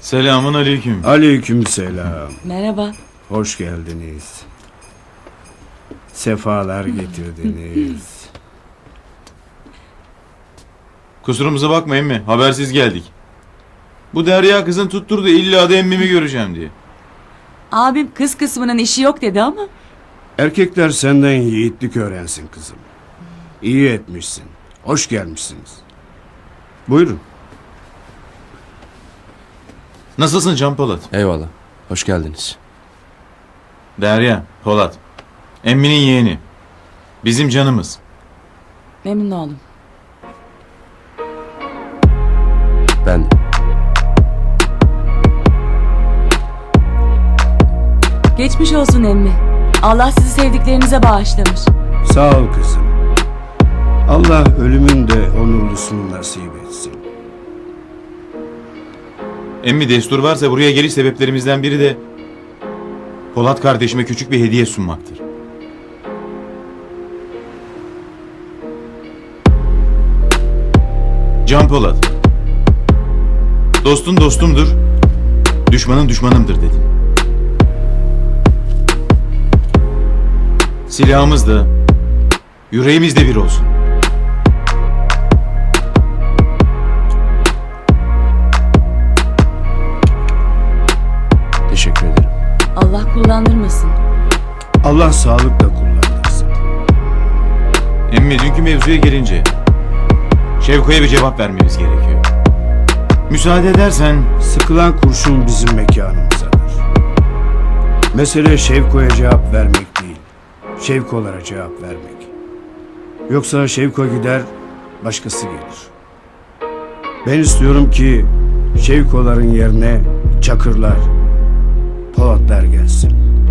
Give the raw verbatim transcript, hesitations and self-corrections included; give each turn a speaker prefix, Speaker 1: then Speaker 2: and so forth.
Speaker 1: Selamun aleyküm.
Speaker 2: Aleykümselam.
Speaker 3: Merhaba.
Speaker 2: Hoş geldiniz. Sefalar getirdiniz.
Speaker 1: Kusurumuza bakmayın mı? Habersiz geldik. Bu Derya kızın tutturdu illa da emmimi göreceğim diye.
Speaker 3: Abim kız kısmının işi yok dedi ama.
Speaker 2: Erkekler senden yiğitlik öğrensin kızım. İyi etmişsin. Hoş gelmişsiniz. Buyurun.
Speaker 1: Nasılsın Can Polat?
Speaker 4: Eyvallah. Hoş geldiniz.
Speaker 1: Derya, Polat. Emminin yeğeni. Bizim canımız.
Speaker 3: Memnun oldum.
Speaker 4: Ben de.
Speaker 3: Geçmiş olsun emmi. Allah sizi sevdiklerinize bağışlamış.
Speaker 2: Sağ ol kızım. Allah ölümün de onurlusunu nasip etsin.
Speaker 1: Emmi destur varsa buraya geliş sebeplerimizden biri de Polat kardeşime küçük bir hediye sunmaktır. Can Polat. Dostun dostumdur, düşmanın düşmanımdır dedim. Silahımız da, yüreğimiz de bir olsun.
Speaker 4: Teşekkür ederim.
Speaker 3: Allah kullandırmasın.
Speaker 2: Allah sağlıkla kullandırsın.
Speaker 1: Emmi dünkü mevzuya gelince Şevko'ya bir cevap vermemiz gerekiyor. Müsaade edersen
Speaker 2: Sıkılan kurşun bizim mekanımızadır. Mesele Şevko'ya cevap vermek değil, Şevko'lara cevap vermek. Yoksa Şevko gider, başkası gelir. Ben istiyorum ki Şevko'ların yerine Çakırlar, Polatlar gelsin.